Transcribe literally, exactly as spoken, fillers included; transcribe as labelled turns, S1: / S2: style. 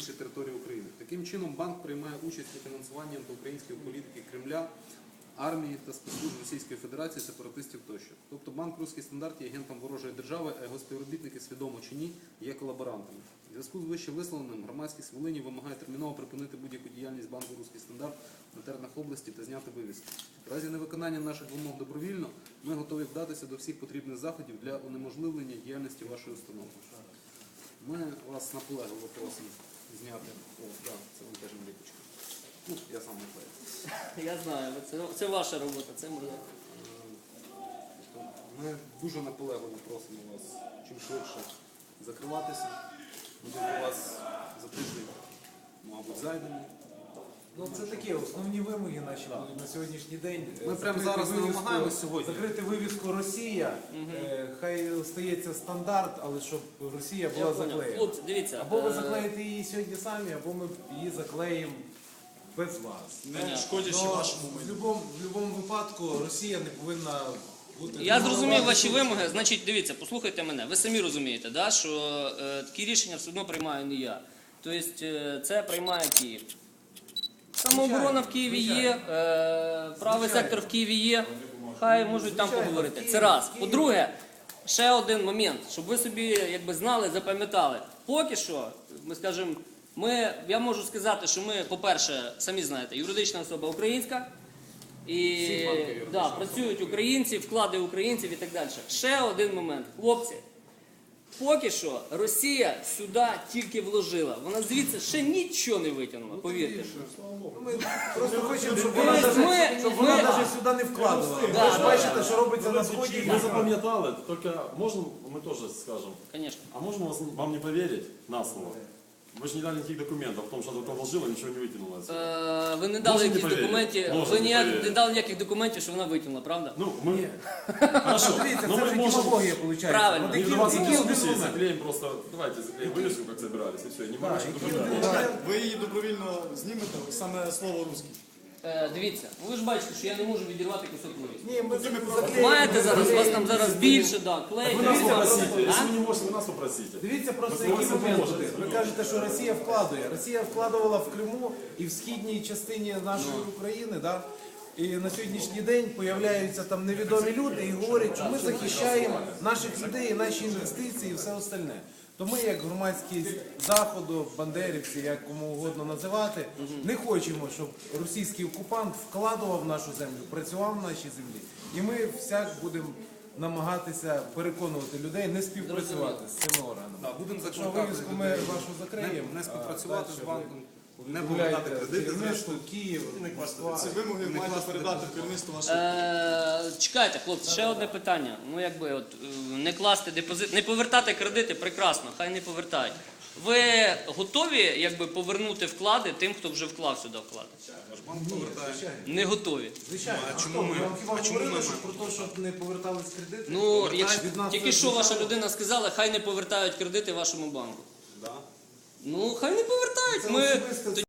S1: інших територій України. Таким чином, банк приймає участь у фінансуванні антиукраїнської політики Кремля, армії та спецслужб Російської Федерації, сепаратистів тощо. Тобто банк «Руський стандарт» є агентом ворожої держави, а його співробітники, свідомо чи ні, є колаборантами. У зв'язку з вище висловленим громадськість Волині вимагає терміново припинити будь-яку діяльність банку «Руський стандарт» на теренах області та зняти вивіски. В разі невиконання наших вимог добровільно ми готові вдатися до всіх потрібних заходів для унеможливлення діяльності вашої установи. Ми вас наполегливо просимо зняти. О, так, це вам теж наліпочка. Ну, я сам не клею.
S2: Я знаю, це, це ваша робота, це моя.
S1: Ми дуже наполегливо просимо вас чим швидше закриватися. Ми до вас за тиждень, мабуть, зайдемо.
S3: Ну, це такі основні вимоги наші будуть на сьогоднішній день.
S1: Ми прямо
S3: Закрити
S1: зараз не
S3: вивіску-
S1: вимагаємо сьогодні.
S3: Закрити вивіску «Росія», е, хай стається стандарт, але щоб Росія
S2: Я
S3: була
S2: понял.
S3: заклеєна.
S2: Хлопці, дивіться.
S3: Або ви
S2: е,
S3: заклеїте її сьогодні самі, або ми її заклеїмо без вас.
S4: Не шкодячи
S3: Но
S4: вашому
S3: в
S4: майну.
S3: будь-якому в будь-якому випадку Росія не повинна бути...
S2: Я зрозумів ваші вимоги. Значить, дивіться, послухайте мене. Ви самі розумієте, да, що е, такі рішення все одно приймаю не я. Тобто е, це приймає Київ. Самооборона в Києві є, е, правий сектор в Києві є. Хай можуть там поговорити. Це раз. По-друге, ще один момент, щоб ви собі якби знали, запам'ятали. Поки що, ми скажемо, ми, я можу сказати, що ми, по-перше, самі знаєте, юридична особа українська. І да, працюють українці, вклади українців і так далі. Ще один момент. Хлопці, поки що Росія сюди тільки вложила. Вона звідси ще нічого не витягнула, повірте.
S3: Ми просто хочемо, щоб
S2: Ми-
S3: вона
S2: ми-
S3: навіть- щоб вона
S2: ми-
S3: навіть сюди не вкладувала.
S2: Да,
S3: Ви ж
S2: да,
S3: бачите, що робиться на сході.
S5: Мы запам'ятали, только можно мы тоже скажем,
S2: Звісно.
S5: а можно вас- вам не поверить на слово? Вы же не дали никаких документов, потому что она вложила, ничего не вытянула. отсюда.
S2: Е, ви не дали
S5: Можете
S2: якихось
S5: повірити?
S2: документів,
S5: Можете
S2: ви ніяк
S5: повірити.
S2: не дали ніяких документів, що вона витягнула, правда?
S5: Ну, мы... Хорошо,
S3: Дивіться,
S5: но
S3: це
S5: мы
S3: вже
S5: можем...
S3: демагогія, виходить.
S2: Правильно.
S3: От
S5: Не
S3: які-
S5: вдаваться в
S3: які один
S5: дискуссии,
S3: момент?
S5: заклеим просто... Давайте заклеим вывеску, как собирались, и все. Не морочим
S3: які
S5: документы.
S4: Ви її добровільно знімете, саме слово «русський».
S2: Е, дивіться, ви ж бачите, що я не можу відірвати кусок вивіску.
S3: Ні, ми заклеїмо.
S2: Маєте зараз, у вас там зараз більше, да, клей.
S5: Вы нас
S2: дивіться,
S5: попросите,
S2: а?
S5: если вы не можете, вы нас попросите.
S3: Дивіться просто,
S5: Ви
S3: який
S5: зможете
S3: момент
S5: допоможете.
S3: буде. Ви кажете, що Росія вкладує. Росія вкладувала в Криму і в східній частині нашої України, да? І на сьогоднішній день появляються там невідомі люди і говорять, що ми захищаємо наших людей, наші інвестиції і все остальне. То ми, як громадськість Заходу, бандерівці, як кому угодно називати, не хочемо, щоб російський окупант вкладував в нашу землю, працював в нашій землі. І ми всяк будемо намагатися переконувати людей не співпрацювати з цими органами.
S1: Да, будемо
S3: Якщо
S1: закликати
S3: вивіску ми
S1: людей
S3: вашу закриємо,
S1: не, не співпрацювати
S3: а
S1: з
S3: дальше
S1: банком,
S3: ви
S1: не повертати
S3: гуляєте
S1: кредити,
S3: керівництво,
S1: зрештою.
S3: Київ, Москва.
S4: Ці вимоги
S1: Не
S4: маєте
S1: класти
S4: передати
S1: депозит.
S4: керівництву вашого.
S2: Е, чекайте, хлопці, ще одне питання. Ну, якби, от, е, не класти депозит, не повертати кредити, прекрасно, хай не повертають. Ви готові, якби, повернути вклади тим, хто вже вклав сюди вклади?
S1: Банк повертає.
S2: Не готові.
S3: Звичайно,
S1: А
S3: а
S1: чому
S3: хто?
S1: ми-
S3: Ми вам хіба
S1: а чому
S3: говорили,
S1: ми
S3: що
S1: маємо?
S3: про те, щоб не повертались кредити?
S2: Ну,
S1: Повертають
S2: якщо,
S3: від нас
S2: тільки
S3: це
S2: що ваша
S3: звичайно.
S2: людина сказала, хай не повертають кредити вашому банку.
S1: Да.
S2: Ну, хай не повертають.
S3: Це
S2: Ми
S3: особисте